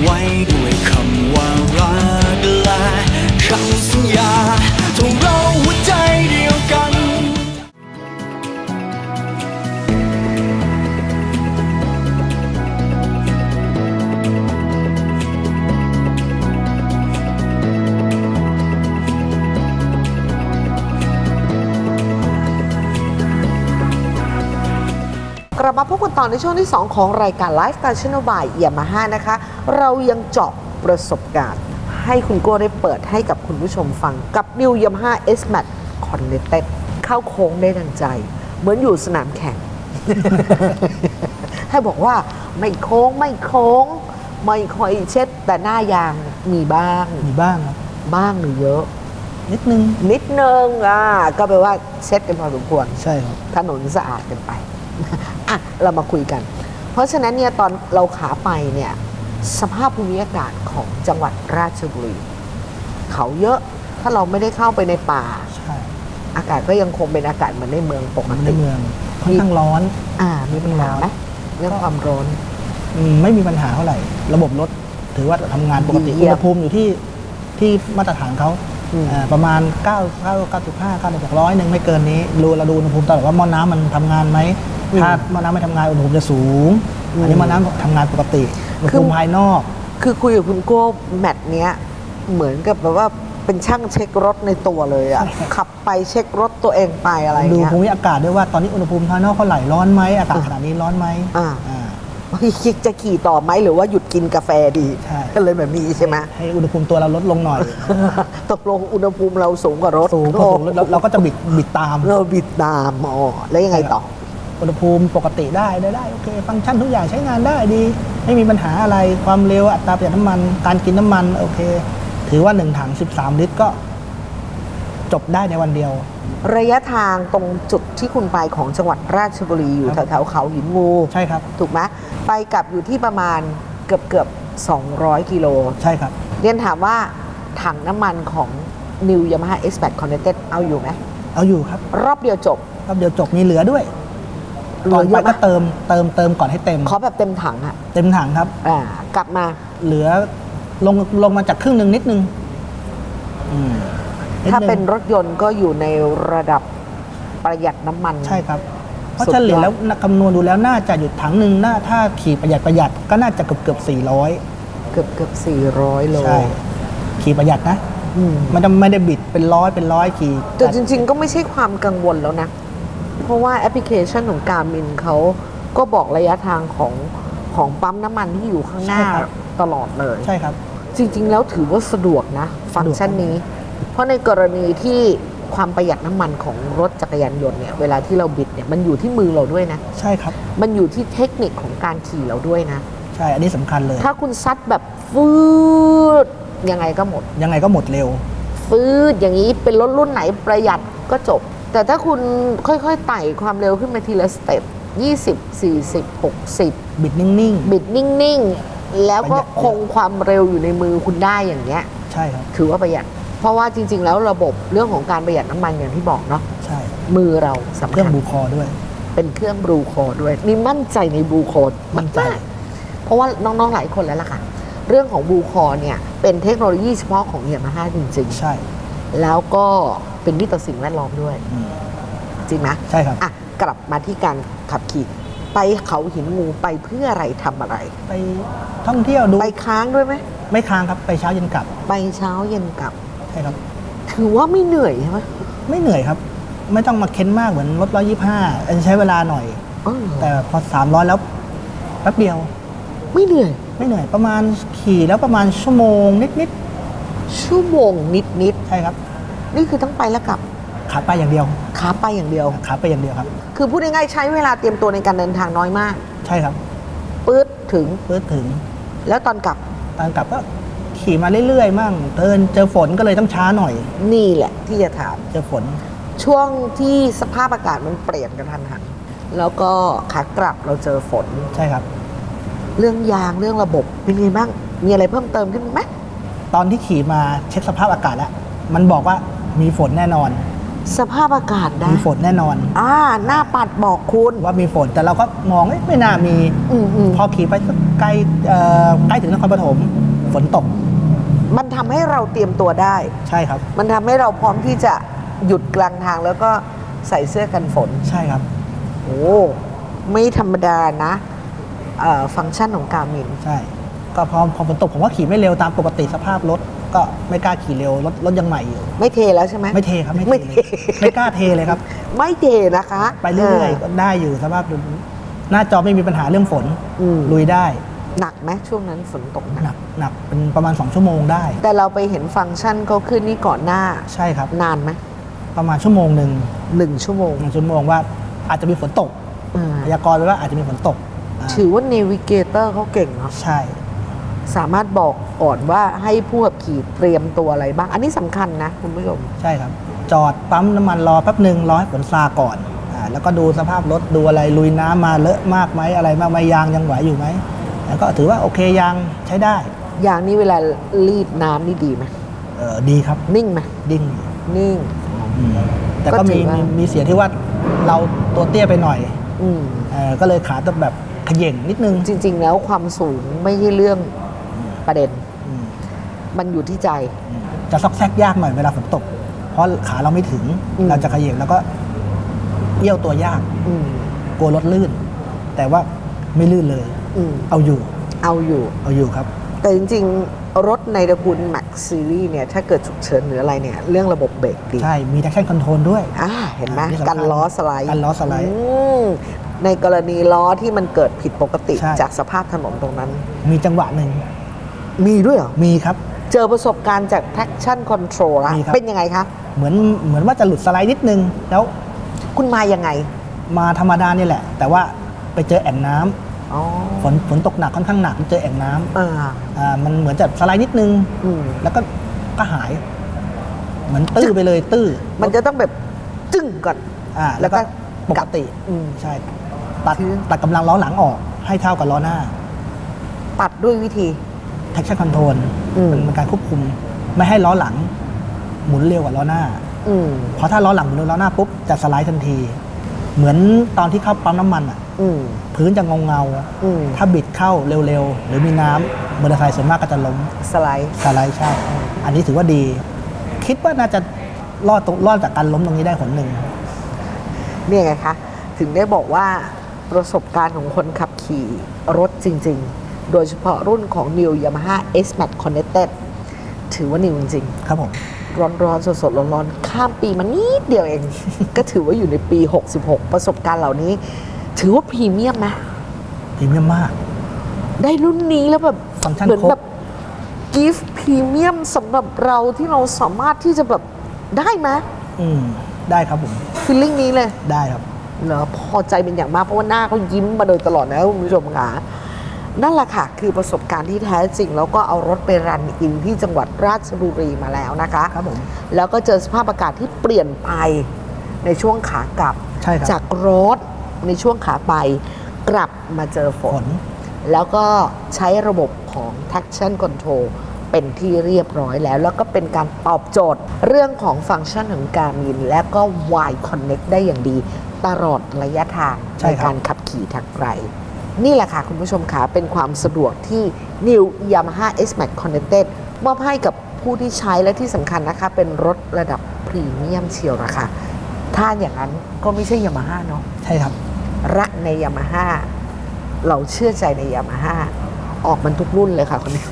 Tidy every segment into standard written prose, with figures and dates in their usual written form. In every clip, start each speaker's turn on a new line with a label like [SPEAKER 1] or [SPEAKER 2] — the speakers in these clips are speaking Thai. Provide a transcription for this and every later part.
[SPEAKER 1] ไว้ด้วยคำว่ารักและคำสัญญาทงเราหัวใจเดียวกัน
[SPEAKER 2] กลับมาพบกันต่อในช่วงที่ 2 ของรายการ Lifestyle Channel by Yamaha นะคะเรายังเจาะประสบการณ์ให้คุณโก้ได้เปิดให้กับคุณผู้ชมฟังกับ New Yamaha S-Max Connected เข้าโค้งได้ดังใจ เหมือนอยู่สนามแข่ง ให้บอกว่าไม่โค้งไม่ค่อยเช็ดแต่หน้ายางมีบ้าง
[SPEAKER 3] ครับ
[SPEAKER 2] บ้างหรือเยอะ
[SPEAKER 3] นิดนึง
[SPEAKER 2] ก็แปลว่าเช็ดกันพอสมควร
[SPEAKER 3] ใช่ครับ
[SPEAKER 2] ถนนสะอาดกันไป อ่ะเรามาคุยกัน เพราะฉะนั้นเนี่ยตอนเราขาไปเนี่ยสภาพภูมิอากาศของจังหวัดราชบุรีเขาเยอะถ้าเราไม่ได้เข้าไปในป่า
[SPEAKER 3] ใช่
[SPEAKER 2] อากาศก็ยังคงเป็นอากาศเหมือนในเมืองปก
[SPEAKER 3] ใน
[SPEAKER 2] ติ
[SPEAKER 3] เมืองค่อนข้างร้อน
[SPEAKER 2] มีปัญหาไหมเรื่องความร้อน
[SPEAKER 3] ไม่มีปัญหาเท่าไหร่ ระบบรถถือว่าทำงานปกติ
[SPEAKER 2] เยี่
[SPEAKER 3] อุ
[SPEAKER 2] ยม
[SPEAKER 3] ณหภูมิอยู่ที่มาตรฐานเขา ประมาณ95 96 100ไม่เกินนี้เราดูอุณหภูมิตลอดว่าหม้อน้ำมันทำงานไหมถ้าหม้อน้ำไม่ทำงานอุณหภูมิจะสูง อันนี้หม้อน้ำทำงานปกติอุณหภูมิภายนอก
[SPEAKER 2] คือคุยกับคุณโก้แมตช์เนี้ยเหมือนกับแบบว่าเป็นช่างเช็ครถในตัวเลยอะขับไปเช็ครถตัวเองไปอะไร
[SPEAKER 3] ดู
[SPEAKER 2] เงี้ย
[SPEAKER 3] ภูมิอากาศด้วยว่าตอนนี้อุณหภูมิภายนอกเท่าไหร่ร้อนไหมอากาศขนาดนี้ร้อนไหม
[SPEAKER 2] คิดจะขี่ต่อไหมหรือว่าหยุดกินกาแฟดี
[SPEAKER 3] ใช่
[SPEAKER 2] ก็เลยแบบนี้ใช่ไหม
[SPEAKER 3] ให้อุณหภูมิตัวเราลดลงหน่อย
[SPEAKER 2] ตกลงอุณหภูมิเราสูงกว่ารถ
[SPEAKER 3] สูงพอสูงแล้วเราก็จะบิดตาม
[SPEAKER 2] เราบิดตามแล้วยังไงต่อ
[SPEAKER 3] อุณหภูมิปกติได้โอเคฟังก์ชันทุกอย่างใช้งานได้ดีไม่มีปัญหาอะไรความเร็วอัตราประหยัดน้ำมันการกินน้ำมันโอเค ถือว่า1ถัง13 ลิตรก็จบได้ในวันเดียว
[SPEAKER 2] ระยะทางตรงจุดที่คุณไปของจังหวัดราชบุรีอยู่
[SPEAKER 3] ครับ
[SPEAKER 2] แถวๆเขาหินงู
[SPEAKER 3] ใช่ครับ
[SPEAKER 2] ถูกไหมไปกลับอยู่ที่ประมาณเกือบ200 กิโล
[SPEAKER 3] ใช่ครับ
[SPEAKER 2] เรียนถามว่าถังน้ำมันของ New Yamaha S-Max Connected เอาอยู่ไหม
[SPEAKER 3] เอาอยู่ครับ
[SPEAKER 2] รอบเดียวจบ
[SPEAKER 3] รอบเดียวจบมีเหลือด้วย
[SPEAKER 2] เหลื
[SPEAKER 3] ก่อ
[SPEAKER 2] อน เย
[SPEAKER 3] ไป
[SPEAKER 2] อะไหม
[SPEAKER 3] ก็เติมก่อนให้เต็ม
[SPEAKER 2] ขอแบบเต็มถังอะ
[SPEAKER 3] เต็มถังครับ
[SPEAKER 2] กลับมา
[SPEAKER 3] เหลือลงมาจากครึ่งหนึ่งนิดนึงนิดนึง
[SPEAKER 2] ถ้าเป็นรถยนต์ก็อยู่ในระดับประหยัดน้ำมัน
[SPEAKER 3] ใช่ครับ เพราะ
[SPEAKER 2] สุดยอด
[SPEAKER 3] เฉลี่ยแล้วคำนวณดูแล้วน่าจะหยุดถังหนึ่งถ้าขี่ประหยัดก็น่าจะเกือบ400
[SPEAKER 2] เกือบ400 โล
[SPEAKER 3] ใช่ขี่ประหยัดนะ ไม่ได้บิดเป็นร้อยขี่
[SPEAKER 2] แต่จริงๆก็ไม่ใช่ความกังวลแล้วนะ เพราะว่าแอปพลิเคชันของการมินเขาก็บอกระยะทางของปั๊มน้ำมันที่อยู่ข้างหน้าตลอดเลย
[SPEAKER 3] ใช่ครับ
[SPEAKER 2] จริงๆแล้วถือว่าสะดวกนะ ฟังก์ชันนี้ เพราะในกรณีที่ความประหยัดน้ำมันของรถจักรยานยนต์เนี่ยเวลาที่เราบิดเนี่ยมันอยู่ที่มือเราด้วยนะ
[SPEAKER 3] ใช่ครับ
[SPEAKER 2] มันอยู่ที่เทคนิคของการขี่เราด้วยนะ
[SPEAKER 3] ใช่อันนี้สำคัญเลย
[SPEAKER 2] ถ้าคุณซัดแบบฟืดยังไงก็หมด
[SPEAKER 3] ยังไงก็หมดเร็ว
[SPEAKER 2] ฟืดอย่างนี้เป็นรถรุ่นไหนประหยัดก็จบ แต่ถ้าคุณค่อยๆไต่ความเร็วขึ้นมาทีละสเต็ป20 40 60
[SPEAKER 3] บิดนิ่ง
[SPEAKER 2] บิดนิ่งๆ แล้วก็คงความเร็วอยู่ในมือคุณได้อย่างเงี้ย
[SPEAKER 3] ๆ ใช่ครับ
[SPEAKER 2] ถือว่าประหยัด เพราะว่าจริงๆ แล้วระบบเรื่องของการประหยัดน้ำมันอย่างที่บอกเนาะ
[SPEAKER 3] ใช่
[SPEAKER 2] มือเราสำ
[SPEAKER 3] เครื่
[SPEAKER 2] คั
[SPEAKER 3] อง
[SPEAKER 2] ญ
[SPEAKER 3] บูคอด้วย
[SPEAKER 2] เป็นเครื่องบลูโคดด้วย นี่มั่นใจในบลูโคด
[SPEAKER 3] มั่นใจ
[SPEAKER 2] ากๆเพราะว่าน้องๆ หลายคนแล้วล่ะค่ะ เรื่องของบลูโคดเนี่ยเป็นเทคโนโลยีเฉพาะของยามาฮ่าจริง
[SPEAKER 3] ใช่
[SPEAKER 2] ๆ แล้วก็เป็นมิตรต่อสิ่งแวดล้อมด้วย จริงไหม
[SPEAKER 3] ใช่ครับ
[SPEAKER 2] อ่ะกลับมาที่การขับขี่ไปเขาหินงูไปเพื่ออะไรทำอะไร
[SPEAKER 3] ไปท่องเที่ยวดู
[SPEAKER 2] ไปค้างด้วยไหม
[SPEAKER 3] ไม่ค้างครับไปเช้าเย็นกลับ
[SPEAKER 2] ไปเช้าเย็นกลับ
[SPEAKER 3] ใช่ครับ
[SPEAKER 2] ถือว่าไม่เหนื่อยใช่ไหม
[SPEAKER 3] ไม่เหนื่อยครับ ไม่ต้องมาเค้นมากเหมือนรถ125อันใช้เวลาหน่อย แต่พอ300แล้วแป๊บเดียว
[SPEAKER 2] ไม่เหนื่อย
[SPEAKER 3] ไม่เหนื่อยประมาณขี่แล้วประมาณชั่วโมงนิด
[SPEAKER 2] ชั่วโมงนิด
[SPEAKER 3] ๆใช่ครับ
[SPEAKER 2] ๆนี่คือทั้งไปและกลับ
[SPEAKER 3] ขาไปอย่างเดียว
[SPEAKER 2] ขาไปอย่างเดียว
[SPEAKER 3] ขาไปอย่างเดียวครับ
[SPEAKER 2] คือพูดง่ายๆใช้เวลาเตรียมตัวในการเดินทางน้อยมาก
[SPEAKER 3] ใช่ครับ
[SPEAKER 2] ปื๊ดถึง
[SPEAKER 3] เพื่อถึง
[SPEAKER 2] แล้วตอนกลับ
[SPEAKER 3] ตอนกลับก็ขี่มาเรื่อยๆมั่งเจอฝนก็เลยต้องช้าหน่อย
[SPEAKER 2] นี่แหละที่จะถาม
[SPEAKER 3] เจอฝน
[SPEAKER 2] ช่วงที่สภาพอากาศมันเปลี่ยนกันทันหันแล้วก็ขากลับเราเจอฝน
[SPEAKER 3] ใช่ครับ
[SPEAKER 2] เรื่องยางเรื่องระบบเป็นไงบ้าง มีอะไรเพิ่มเติมขึ้นไหม
[SPEAKER 3] ตอนที่ขี่มาเช็คสภาพอากาศแล้วมันบอกว่ามีฝนแน่นอน
[SPEAKER 2] สภาพอากาศนะ
[SPEAKER 3] มีฝนแน่นอน
[SPEAKER 2] หน้าปัดบอกคุณ
[SPEAKER 3] ว่ามีฝนแต่เราก็มองไม่น่ามี พอขี่ไปสักใกล้ถึงนครปฐมฝนตก
[SPEAKER 2] มันทำให้เราเตรียมตัวได้
[SPEAKER 3] ใช่ครับ
[SPEAKER 2] มันทำให้เราพร้อมที่จะหยุดกลางทางแล้วก็ใส่เสื้อกันฝน
[SPEAKER 3] ใช่ครับ
[SPEAKER 2] โอ้ไม่ธรรมดานะฟังก์ชันของการมิน
[SPEAKER 3] ใช่ ก็พอฝนตกผมก็ขี่ไม่เร็วตามปกติสภาพรถก็ไม่กล้าขี่เร็วรถยังใหม่อยู่
[SPEAKER 2] ไม่เทแล้วใช่ไหม
[SPEAKER 3] ไม่เทครับ
[SPEAKER 2] ไม่
[SPEAKER 3] ไม่
[SPEAKER 2] เท
[SPEAKER 3] เทเลยไม่กล้าเทเลยครับ
[SPEAKER 2] ไม่เทนะคะ
[SPEAKER 3] ไปเรื่อยๆก็ได้อยู่สภาพหน้าจอไม่มีปัญหาเรื่องฝนลุยได้
[SPEAKER 2] หนักไหมช่วงนั้นฝนตกหนัก
[SPEAKER 3] หนักเป็นประมาณ2ชั่วโมงได้
[SPEAKER 2] แต่เราไปเห็นฟังก์ชันเขาขึ้นนี่ก่อนหน้า
[SPEAKER 3] ใช่ครับ
[SPEAKER 2] นานไหม
[SPEAKER 3] ประมาณชั่วโมงหนึ่ง
[SPEAKER 2] 1 ชั่วโมง
[SPEAKER 3] 1 ชั่วโมงว่าอาจจะมีฝนตก
[SPEAKER 2] อ่า
[SPEAKER 3] พยากรณ์ไว้ว่าอาจจะมีฝนตก
[SPEAKER 2] ถือว่าเนวิเกเตอร์เขาเก่งเนาะ
[SPEAKER 3] ใช่
[SPEAKER 2] สามารถบอกก่อนว่าให้ผู้ขับขี่เตรียมตัวอะไรบ้าง อันนี้สำคัญนะคุณผู้ชม
[SPEAKER 3] ใช่ครับ จอดปั๊มน้ำมันรอแป๊บหนึ่งรอให้ฝนซาก่อนแล้วก็ดูสภาพรถดูอะไรลุยน้ำมาเลอะมากไหมอะไรมากไหมยางยังไหวอยู่ไหมแล้วก็ถือว่าโอเคยางใช้ได้
[SPEAKER 2] อย่างนี้เวลารีดน้ำนี่ดีไหม
[SPEAKER 3] ดีครับ
[SPEAKER 2] นิ่งไหม
[SPEAKER 3] ดิ้ง
[SPEAKER 2] นิ่ง
[SPEAKER 3] แต่ก็
[SPEAKER 2] ก็ถื
[SPEAKER 3] มี
[SPEAKER 2] อว่า
[SPEAKER 3] มีเสียที่ว่าเราตัวเตี้ยไปหน่อย
[SPEAKER 2] อืม
[SPEAKER 3] ก็เลยขาต้องแบบเขย่งนิดนึง
[SPEAKER 2] จริง ๆ แล้วความสูงไม่ใช่เรื่องประเด็น
[SPEAKER 3] อืม
[SPEAKER 2] มันอยู่ที่ใจ
[SPEAKER 3] จะซอกแซกยากหน่อยเวลาฝนตก เพราะขาเราไม่ถึง เราจะเขย่งแล้วก็เอี้ยวตัวยาก
[SPEAKER 2] อืม
[SPEAKER 3] กลัวรถลื่น แต่ว่าไม่ลื่นเลย
[SPEAKER 2] อืม
[SPEAKER 3] เอาอยู่
[SPEAKER 2] เอาอยู่
[SPEAKER 3] เอาอยู่ครับ
[SPEAKER 2] แต่จริง ๆ รถในตระกูล Max Series เนี่ย ถ้าเกิดฉุกเฉินหรืออะไรเนี่ย เรื่องระบบเบรกดี
[SPEAKER 3] ใช่ มี traction control ด้วย
[SPEAKER 2] เห็นไหม
[SPEAKER 3] นี่สำคัญ
[SPEAKER 2] กันล้อสไลด์
[SPEAKER 3] กันล้อสไลด์
[SPEAKER 2] มในกรณีล้อที่มันเกิดผิดปกติ
[SPEAKER 3] ใช่
[SPEAKER 2] จากสภาพถนนตรงนั้น
[SPEAKER 3] มีจังหวะหนึ่ง
[SPEAKER 2] มีด้วยเหรอ
[SPEAKER 3] มีครับ
[SPEAKER 2] เจอประสบการณ์จาก traction control ละ
[SPEAKER 3] มีครับ
[SPEAKER 2] เป็นยังไงคะ
[SPEAKER 3] เหมือนว่าจะหลุดสไลด์นิดนึง แล้ว
[SPEAKER 2] คุณมายังไง
[SPEAKER 3] มาธรรมดานี่แหละ แต่ว่าไปเจอแอ่งน้ำ
[SPEAKER 2] อ๋อ
[SPEAKER 3] ฝนตกหนักค่อนข้างหนักเจอแอ่งน้ำ มันเหมือนจะสไลด์นิดนึง
[SPEAKER 2] อืม
[SPEAKER 3] แล้วก็หาย เหมือนตื้อไปเลยตื้อ
[SPEAKER 2] มันจะต้องแบบจึ้งก่อน
[SPEAKER 3] แล้วก็ปกติ
[SPEAKER 2] อืม
[SPEAKER 3] ใช่ ตัด
[SPEAKER 2] คือ
[SPEAKER 3] ตัดกำลังล้อหลังออกให้เท่ากับล้อหน้า
[SPEAKER 2] ตัดด้วยวิธี
[SPEAKER 3] traction control
[SPEAKER 2] อืม
[SPEAKER 3] เป็นการควบคุม ไม่ให้ล้อหลัง หมุนเร็วกว่าล้อหน้า
[SPEAKER 2] อืม
[SPEAKER 3] เพราะถ้าล้อหลังหมุนเร็วล้อหน้าปุ๊บจะสไลด์ทันที เหมือนตอนที่เข้าปั๊มน้ำมันอ่ะ
[SPEAKER 2] อืม
[SPEAKER 3] พื้นจะเงา
[SPEAKER 2] อืม
[SPEAKER 3] ถ้าบิดเข้าเร็วๆ หรือมีน้ำมอเตอร์ไซค์ส่วนมากก็จะล้ม
[SPEAKER 2] สไลด์
[SPEAKER 3] สไลด์ใช่ อันนี้ถือว่าดี คิดว่าน่าจะรอดจากการล้มตรงนี้ได้ผลหนึ่ง
[SPEAKER 2] เนี่ยไงคะ ถึงได้บอกว่าประสบการณ์ของคนขับขี่รถจริง ๆ โดยเฉพาะรุ่นของ New Yamaha S-Max Connected ถือว่านิวจริง
[SPEAKER 3] ครับผม
[SPEAKER 2] ๆ ร้อนๆ สดๆ ร้อนๆ ข้ามปีมานิดเดียวเอง ก็ถือว่าอยู่ในปี 66 ประสบการณ์เหล่านี้ ถือว่าพรีเมียมนะ
[SPEAKER 3] พรีเมียมมาก
[SPEAKER 2] ได้รุ่นนี้แล้วแบบ
[SPEAKER 3] ฟังก์ชัน
[SPEAKER 2] เหมือน
[SPEAKER 3] ครบ
[SPEAKER 2] แบบกิฟต์พรีเมียมสำหรับเราที่เราสามารถที่จะแบบได้ไหม
[SPEAKER 3] ได้ครับผม
[SPEAKER 2] ฟีลลิ่งนี้เลย
[SPEAKER 3] ได้ครับ
[SPEAKER 2] เหรอพอใจเป็นอย่างมากเพราะว่าหน้าเขายิ้มมาโดยตลอดนะคุณผู้ชมค่ะนั่นแหละค่ะ คือประสบการณ์ที่แท้จริง แล้วก็เอารถไปรันอินที่จังหวัดราชบุรีมาแล้วนะคะ
[SPEAKER 3] ครับผม
[SPEAKER 2] แล้วก็เจอสภาพอากาศที่เปลี่ยนไปในช่วงขากลับ
[SPEAKER 3] ใช่ครับ
[SPEAKER 2] จากร้อนในช่วงขาไปกลับมาเจอฝ
[SPEAKER 3] ฝ
[SPEAKER 2] น
[SPEAKER 3] น
[SPEAKER 2] แล้วก็ใช้ระบบของ traction control เป็นที่เรียบร้อยแล้ว แล้วก็เป็นการตอบโจทย์เรื่องของฟังก์ชันของการมินและก็ Y Connect ได้อย่างดีตลอดระยะทาง
[SPEAKER 3] ใช่
[SPEAKER 2] ใน
[SPEAKER 3] ครับ
[SPEAKER 2] การขับขี่ทางไกล นี่แหละค่ะ คุณผู้ชมค่ะเป็นความสะดวกที่ New Yamaha S-Max Connected มอบให้กับผู้ที่ใช้และที่สำคัญนะคะ เป็นรถระดับพรีเมียมเชียวละค่ะ ถ้าอย่างนั้นก็ไม่ใช่ Yamaha เนาะ
[SPEAKER 3] ใช่ครับ
[SPEAKER 2] รักใน Yamaha เราเชื่อใจใน Yamaha ออกมันทุกรุ่นเลยค่ะคนนี้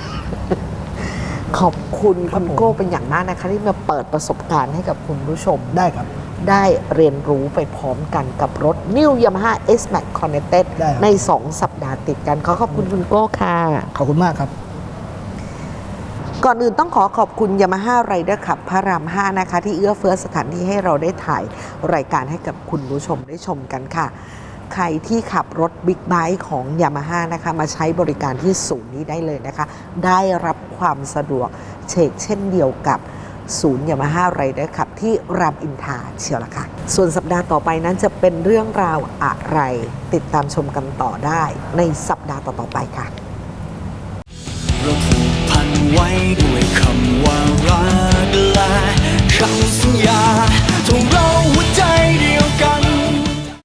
[SPEAKER 2] ขอบคุณ
[SPEAKER 3] ครั
[SPEAKER 2] คุ
[SPEAKER 3] บ
[SPEAKER 2] ณ
[SPEAKER 3] ผม
[SPEAKER 2] โก้เป็นอย่างมากนะคะ ที่มาเปิดประสบการณ์ให้กับคุณผู้ชม
[SPEAKER 3] ได้ครับ
[SPEAKER 2] ได้เรียนรู้ไปพร้อมกันกับรถ New Yamaha S-Max Connected
[SPEAKER 3] ได้ครับ
[SPEAKER 2] ใน 2 สัปดาห์ติดกัน ขอบคุณคุณโก้ค่ะ
[SPEAKER 3] ขอบคุณมากครับ
[SPEAKER 2] ก่อนอื่นต้องขอขอบคุณ Yamaha Rider Club พระราม 5 นะคะ ที่เอื้อเฟื้อสถานที่ให้เราได้ถ่ายรายการให้กับคุณผู้ชมได้ชมกันค่ะ ใครที่ขับรถบิ๊กไบค์ของ Yamaha นะคะ มาใช้บริการที่ศูนย์นี้ได้เลยนะคะ ได้รับความสะดวกเช่นเดียวกับศูนย์ Yamaha Rider Club ที่รามอินทราเชียวละค่ะ ส่วนสัปดาห์ต่อไปนั้นจะเป็นเรื่องราวอะไร ติดตามชมกันต่อได้ในสัปดาห์ต่อๆไปค่ะ
[SPEAKER 1] เราผูกพันไว้ด้วยคำว่ารักและคำสัญญาถ้าเราหัวใจเดียวกัน